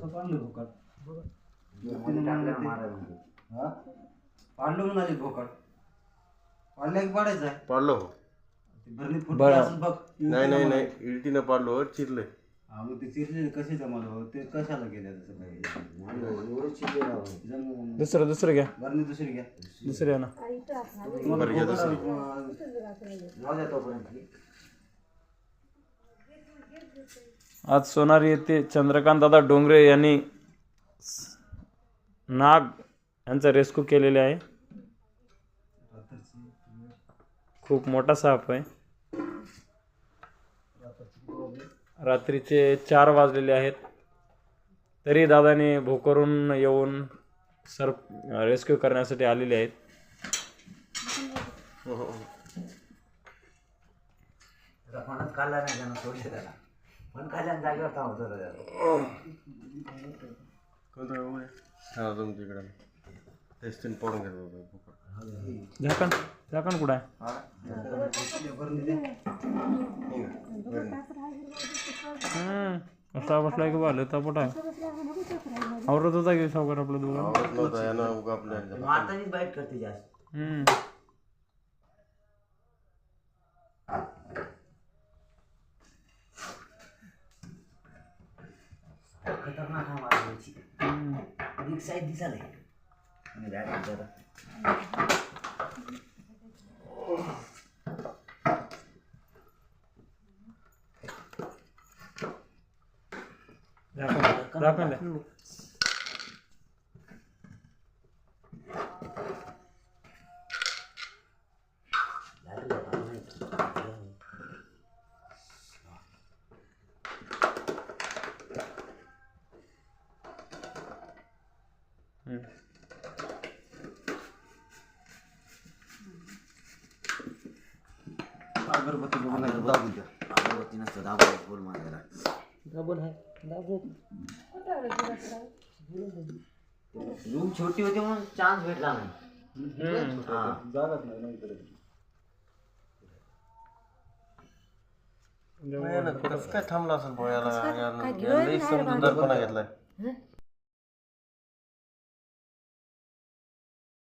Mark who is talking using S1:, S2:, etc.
S1: पाडलं भोकाड पाडलं म्हणाले भोकाड पाडलं की पाडायचं आहे
S2: पाडलो
S1: भरणी फुटली असं बघ
S2: नाही इल्टीनं पाडलो चिरले
S1: हा मग ते चिरले कसे जमाल ते कशाला गेल्या तसं काही
S3: दुसरं घ्या
S1: भरणी दुसरी घ्या
S3: दुसरी आहे ना
S2: बरं घ्या दुसरी
S3: आज सोनारी येथे चंद्रकांत दादा डोंगरे यांनी नाग यांचा रेस्क्यू केलेले आहे. खूप मोठा साप आहे. रात्रीचे 4 वाजलेले आहेत तरी दादाने भोकरून येऊन रेस्क्यू करण्यासाठी आलेले आहेत.
S4: फणच खाल्ला नाही त्यानं सोडले त्याला पण खाल्ल्यानं जागेवर थांबतो
S2: हा तुमच्याकडे टेस्टिंग पाडून घेतो
S3: झाकण कुठं आहे? कसा बसलाय की बाल तपट आहे आवरत होता की सावकार आपलं दोघं
S4: मातानीच बाईट करते जास्त. खतरनाक आहे मारायची एक साईड दिसाले आणि बॅट जरा
S3: झाकण द्या.
S1: अगरबत्ती बघून
S4: अगरबत्ती नसतं दाबून बोल मारायला रूम छोटी होती म्हणून चान्स भेटला नाही.
S1: जागाच नाही इकडे
S2: कसं काय थांबला असेल पोयाला समजूतदारपणा घेतलाय